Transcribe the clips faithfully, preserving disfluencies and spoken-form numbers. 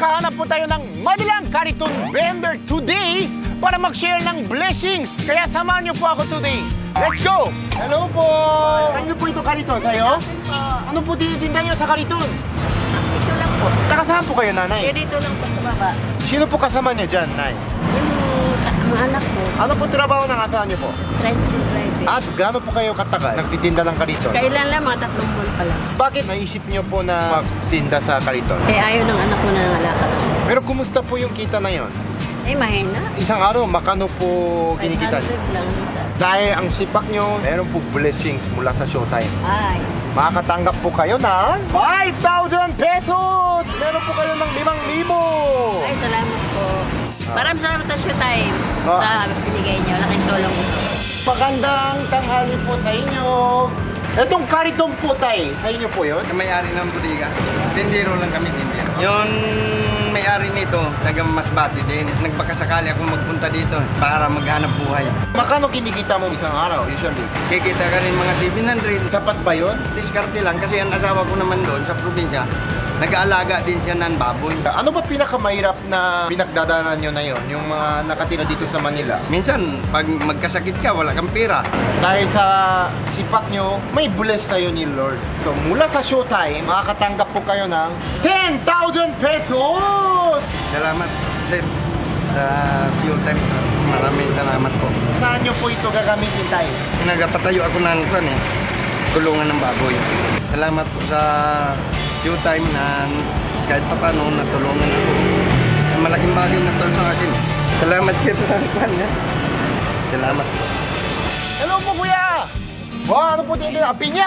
nakahanap po tayo ng madalang kariton vendor today para mag-share ng blessings. Kaya samahan niyo po ako today. Let's go! Hello po! Ano po ito kariton? Sa'yo? Ano po tinitinda niyo sa kariton? Ito lang po. Saka saan po kayo, nanay? Eh, dito lang po sa baba. Sino po kasama niyo dyan, nay? Yung mga anak ko, Ano po trabaho ng asahan niyo po? tricycle driving. At gaano po kayo katagal nagtitinda ng kariton? Kailan lang, mga tatlong buwan pa lang. Bakit naisip niyo po na magtinda sa kariton? Eh, ayaw ng anak ko na nangalakad. Pero kumusta po yung kita na yon? Eh, mahina. Isang araw, makano po kinikita niyo? five hundred lang isa. Dahil ang sipak nyo, meron po blessings mula sa Showtime. Ay. Makakatanggap po kayo ng five thousand pesos! Meron po kayo ng limang libo! Ay, salamat po. Maraming salamat sa Showtime. Ah. Sa binigay niyo. Laking tulong ito. Magandang tanghali po sa inyo. Itong kariton po, tay, sa inyo po yun? Sa may-ari ng bodega, tindero lang kami, tindero. Yung may-ari nito, taga Masbate din. Nagpakasakali ako magpunta dito para maghanap buhay. Makano kinikita mo isang araw, usually? Kikita ka rin mga seven hundred. Sapat ba yun? Diskarte lang kasi ang asawa ko naman doon sa probinsya, nag-aalaga din siya ng baboy. Ano ba pinakamahirap na pinagdadaanan nyo na yon? Yung mga nakatira dito sa Manila? Minsan, pag magkasakit ka, wala kang pera. Dahil sa sipak nyo, may bless tayo ni Lord. So, mula sa Showtime, makakatanggap po kayo ng ten thousand pesos! Salamat, sir, sa fuel time. Maraming salamat po. Saan nyo po ito gagamitin tayo? Nagpatayo ako ng kwan eh, kulungan ng baboy. Salamat po sa Showtime na kahit pa paano natulungan ako. Malaking bagay na to sa akin. Salamat sir sa kwan niya. Salamat po. Hello po, kuya! Wow, ano po tinitin? Ang pinya!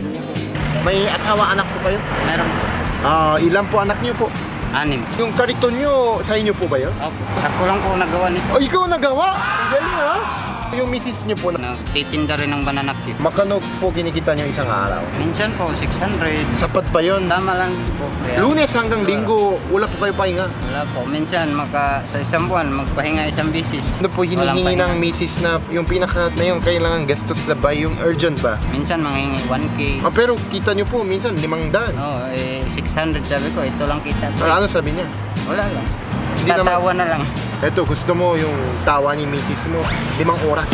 May asawa, anak po kayo? Meron po. Ah, ilan po anak niyo po? Anim. Yung kariton nyo, sa inyo po ba yun? Opo. Ako lang po nagawa nito. Oh, ikaw nagawa? Ang galing, ha? Yung misis niyo po, Nagtitinda rin ng banana cake. makano po kinikita niyo isang araw? Minsan po, six hundred. Sapat ba yun? Tama lang po. Kaya, Lunes hanggang linggo, wala po kayo pahinga. wala po. Minsan, maka, sa isang buwan, magpahinga isang bisis. Ano po Walang hinihingi pahinga. ng misis na yung pinaka na yung kailangan gastos na ba? Yung urgent ba? Minsan, manghingi one K. Ah, pero kita niyo po, minsan limang daan. Oh, eh, six hundred sabi ko, ito lang kita. Ah, ano sabi niya? Wala lang. Hindi naman- Tatawa na lang. Eto, gusto mo yung tawa ni misis mo, limang oras.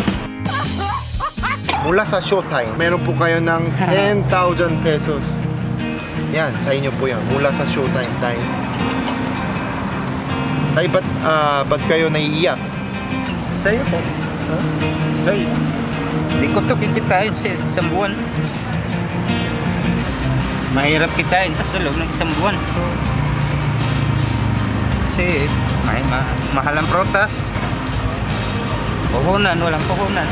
Mula sa Showtime, meron po kayo ng ten thousand pesos. Yan, sa inyo po yan. Mula sa Showtime, tayo. Tay, ba't, ah, ba't kayo naiiyak? Sa'yo po. Say, Hindi ko ito kikitain sa isang buwan. Mahirap kitain ito sa loob ng isang buwan. Kasi may ma mahal ang protas. Puhunan, walang puhunan.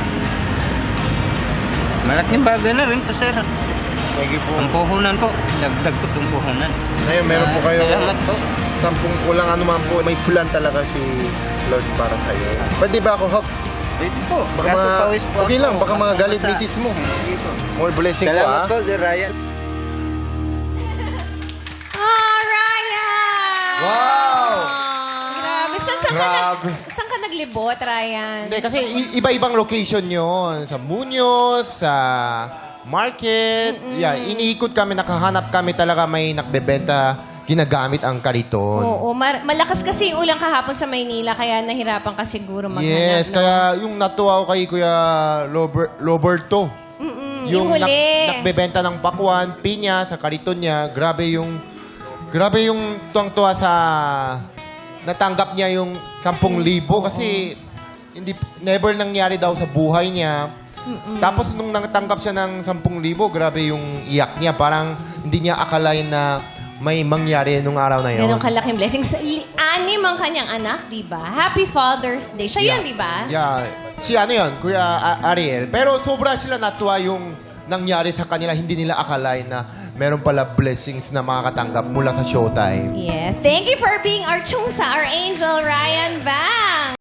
Malaking bagay na rin to, sir. thank you po. Ang puhunan po, dagdag ko itong puhunan. Ngayon, meron po Ah, kayo Salamat po. sampung kulang ano man po. May plan talaga si Lord para sa iyo. Pwede ba ako, Hawk? Pwede po. Baka Kaso mga- pawis po okay ako. lang, baka mga galit Basta- misis mo. Sige po. More blessing po, Salamat ah. po, Sir Ryan. Oh, Ryan! Wow! Grabe. Saan, saan, ka, Grabe. nag, saan ka naglibot, Ryan? Hindi, kasi i- iba-ibang location yon. Sa Muñoz, sa market. Yeah, iniikot kami, nakahanap kami talaga may nakbebenta, ginagamit ang kariton. Oo, mar- malakas kasi yung ulang kahapon sa Maynila, kaya nahirapan ka siguro maghanap. Yes, no? kaya yung natuwa ko kay Kuya Lober- Roberto. Mm-mm, yung, nak- huli. nakbebenta ng pakwan, pinya, sa kariton niya. Grabe yung, grabe yung tuwang-tuwa sa, natanggap niya yung sampung libo kasi hindi, never nangyari daw sa buhay niya. Tapos nung natanggap siya ng sampung libo, grabe yung iyak niya. Parang hindi niya akalain na may mangyari nung araw na yun. Ganong kalaking blessings. Li- Anim ang kanyang anak, di ba? Happy Father's Day. Siya yun, di ba? Yeah. Si ano yun, Kuya A- Ariel. Pero sobra sila natuwa yung nangyari sa kanila. Hindi nila akalain na meron pala blessings na makakatanggap mula sa Showtime. Yes. Thank you for being our chungsa, our angel, Ryan Bang.